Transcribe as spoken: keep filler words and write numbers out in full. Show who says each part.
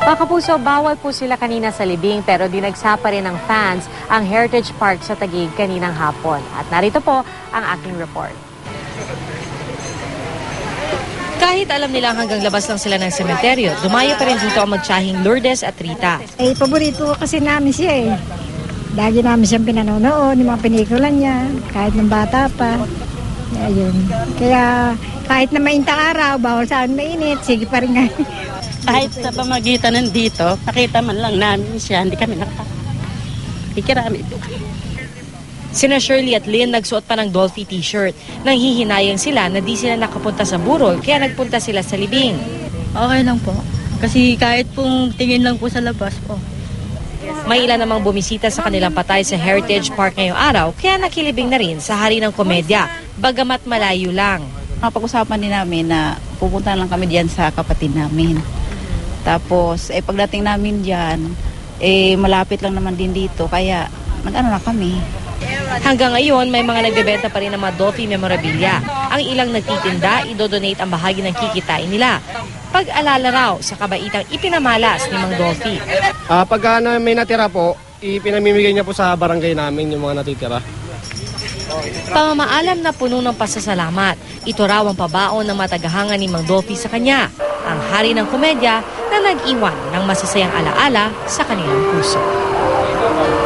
Speaker 1: Mga kapuso, bawal po sila kanina sa libing pero dinagsa pa rin ng fans ang Heritage Park sa Taguig kaninang hapon. At narito po ang aking report. Kahit alam nila hanggang labas lang sila ng sementeryo, dumayo pa rin dito ang magtsahing Lourdes at Rita.
Speaker 2: Eh, paborito ko kasi namin siya eh. Lagi namin siyang pinanonood, yung mga pelikula niya, kahit ng bata pa. Ayun. Kaya kahit na mainitang araw, bawal sa akin mainit, sige pa rin nga.
Speaker 3: Kahit sa pamagitan nandito, nakita man lang namin siya, hindi kami nakakikirami.
Speaker 1: Sina Shirley at Lynn nagsuot pa ng Dolphy t-shirt. Nanghihinayang sila na di sila nakapunta sa burol, kaya nagpunta sila sa libing.
Speaker 4: Okay lang po. Kasi kahit pong tingin lang po sa labas po.
Speaker 1: May ilan namang bumisita sa kanilang patay sa Heritage Park ngayong araw, kaya nakilibing na rin sa Hari ng Komedya, bagamat malayo lang.
Speaker 5: Napag-usapan din namin na pupunta lang kami diyan sa kapatid namin. Tapos, eh, pagdating namin diyan, eh, malapit lang naman din dito, kaya nag-ano na kami.
Speaker 1: Hanggang ngayon, may mga nagbebenta pa rin ng mga Dolphy memorabilia. Ang ilang nagtitinda, idodonate ang bahagi ng kikitain nila. Pag-alala raw sa kabaitang ipinamalas ni Mang Dolphy.
Speaker 6: Uh, pagka na may natira po, ipinamimigay niya po sa barangay namin yung mga natitira.
Speaker 1: Pamamaalam na puno ng pasasalamat. Ito raw ang pabaon ng matagahangan ni Mang Dolphy sa kanya, ang Hari ng Komedya na nag-iwan ng masasayang alaala sa kanilang puso.